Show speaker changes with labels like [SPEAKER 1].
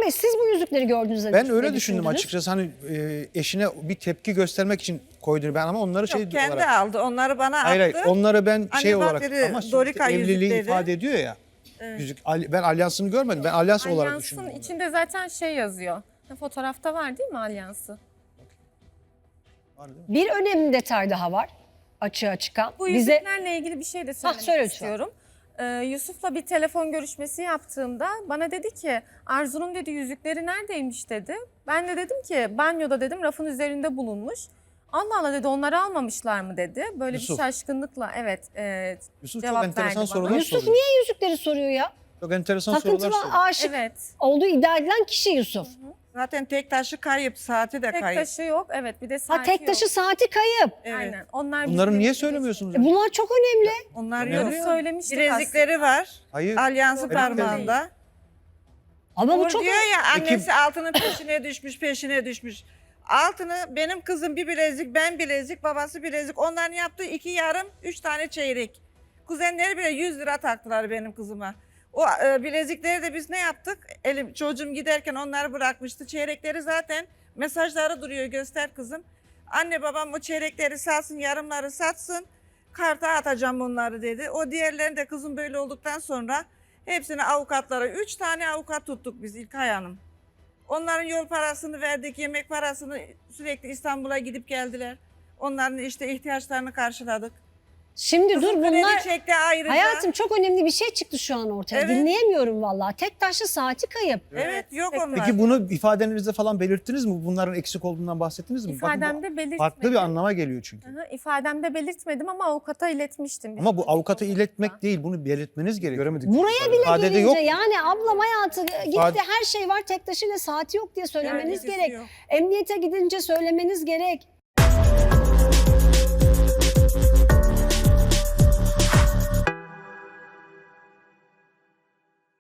[SPEAKER 1] Bey siz bu yüzükleri gördüğünüzde
[SPEAKER 2] Ben
[SPEAKER 1] ne
[SPEAKER 2] öyle düşündüm
[SPEAKER 1] düşündünüz?
[SPEAKER 2] açıkçası, hani eşine bir tepki göstermek için koyduğunu ben, ama onları şey
[SPEAKER 3] Yok, kendi
[SPEAKER 2] olarak.
[SPEAKER 3] aldı. Onları bana
[SPEAKER 2] Hayır,
[SPEAKER 3] attı.
[SPEAKER 2] onları ben
[SPEAKER 3] Anne
[SPEAKER 2] şey
[SPEAKER 3] bak
[SPEAKER 2] olarak,
[SPEAKER 3] dedi,
[SPEAKER 2] ama sonuçta
[SPEAKER 3] Dorika
[SPEAKER 2] evliliği
[SPEAKER 3] yüzükleri.
[SPEAKER 2] ifade ediyor ya. Yüzük, ben alyansını görmedim. Ben alyans olarak
[SPEAKER 4] Alyansın
[SPEAKER 2] düşündüm. onları.
[SPEAKER 4] içinde zaten şey yazıyor. Fotoğrafta var değil mi alyansı?
[SPEAKER 2] Var değil mi?
[SPEAKER 1] Bir önemli detay daha var açığa çıkan.
[SPEAKER 4] Bu
[SPEAKER 1] Bize
[SPEAKER 4] yüzüklerle ilgili bir şey de söylemek
[SPEAKER 1] söyle lütfen.
[SPEAKER 4] istiyorum. Yusuf'la bir telefon görüşmesi yaptığımda bana dedi ki Arzu'nun dedi yüzükleri neredeymiş dedi. Ben de dedim ki banyoda dedim rafın üzerinde bulunmuş. Allah Allah dedi onları almamışlar mı dedi. Böyle
[SPEAKER 2] Yusuf.
[SPEAKER 4] bir şaşkınlıkla evet
[SPEAKER 2] Yusuf çok
[SPEAKER 4] cevap
[SPEAKER 2] enteresan
[SPEAKER 4] verdi
[SPEAKER 2] sorular
[SPEAKER 4] bana.
[SPEAKER 1] Yusuf
[SPEAKER 2] soruyor.
[SPEAKER 1] niye yüzükleri soruyor ya?
[SPEAKER 2] Çok enteresan
[SPEAKER 1] Takıntılı
[SPEAKER 2] sorular soruyor.
[SPEAKER 1] aşık
[SPEAKER 4] Evet.
[SPEAKER 1] olduğu iddia edilen kişi Yusuf.
[SPEAKER 3] Zaten tek taşı kayıp, saati de
[SPEAKER 4] Tek
[SPEAKER 3] kayıp.
[SPEAKER 4] taşı yok evet bir de
[SPEAKER 1] Ha
[SPEAKER 4] saati
[SPEAKER 1] tek
[SPEAKER 4] yok.
[SPEAKER 1] taşı saati kayıp.
[SPEAKER 3] Evet.
[SPEAKER 4] Aynen. Onlar
[SPEAKER 2] Bunları
[SPEAKER 4] bizim
[SPEAKER 2] niye
[SPEAKER 4] elimizde.
[SPEAKER 2] söylemiyorsunuz?
[SPEAKER 1] Bunlar çok önemli.
[SPEAKER 3] Onlar
[SPEAKER 2] Ne
[SPEAKER 3] yok.
[SPEAKER 2] oluyor?
[SPEAKER 4] Söylemiştik
[SPEAKER 3] Bilezikleri var.
[SPEAKER 2] Hayır.
[SPEAKER 3] Alyansı
[SPEAKER 4] Yok,
[SPEAKER 3] parmağında.
[SPEAKER 1] Ama bu
[SPEAKER 3] Uğur
[SPEAKER 1] çok
[SPEAKER 3] diyor ya
[SPEAKER 2] Peki-
[SPEAKER 3] annesi altının peşine düşmüş. Altını benim kızım bir bilezik, ben bilezik, babası bilezik. Onların yaptığı 2 yarım, 3 tane çeyrek. Kuzenleri bile 100 lira taktılar benim kızıma. O bilezikleri de biz ne yaptık? Çocuğum giderken onları bırakmıştı. Çeyrekleri zaten mesajları duruyor, göster kızım. Anne babam o çeyrekleri satsın, yarımları satsın. Karta atacağım onları dedi. O diğerlerini de kızım böyle olduktan sonra hepsini avukatlara, 3 tane avukat tuttuk biz İlkay Hanım. Onların yol parasını verdik, yemek parasını, sürekli İstanbul'a gidip geldiler. Onların işte ihtiyaçlarını karşıladık.
[SPEAKER 1] Şimdi dur
[SPEAKER 3] Kızım kredi
[SPEAKER 1] bunlar
[SPEAKER 3] çekti ayrıca.
[SPEAKER 1] hayatım çok önemli bir şey çıktı şu an ortaya.
[SPEAKER 3] Evet.
[SPEAKER 1] Dinleyemiyorum vallahi. Tek taşlı saati kayıp.
[SPEAKER 3] Evet, yok
[SPEAKER 4] Peki
[SPEAKER 3] onlar.
[SPEAKER 2] Peki bunu ifadenizde falan belirttiniz mi? Bunların eksik olduğundan bahsettiniz mi? Bakın bu
[SPEAKER 4] İfademde belirtmedim.
[SPEAKER 2] farklı bir anlama geliyor çünkü.
[SPEAKER 4] Hı hı, İfademde belirtmedim ama avukata iletmiştim.
[SPEAKER 2] Ama bu avukata iletmek değil, bunu belirtmeniz gerekiyor. Göremedik.
[SPEAKER 1] Buraya bile
[SPEAKER 2] İfadede
[SPEAKER 1] gelince
[SPEAKER 2] yok.
[SPEAKER 1] yani ablam hayatı gitti
[SPEAKER 2] İfade-
[SPEAKER 1] her şey var tek taşıyla saati yok diye söylemeniz
[SPEAKER 3] Yani
[SPEAKER 1] gerek.
[SPEAKER 3] yok.
[SPEAKER 1] Emniyete gidince söylemeniz gerek.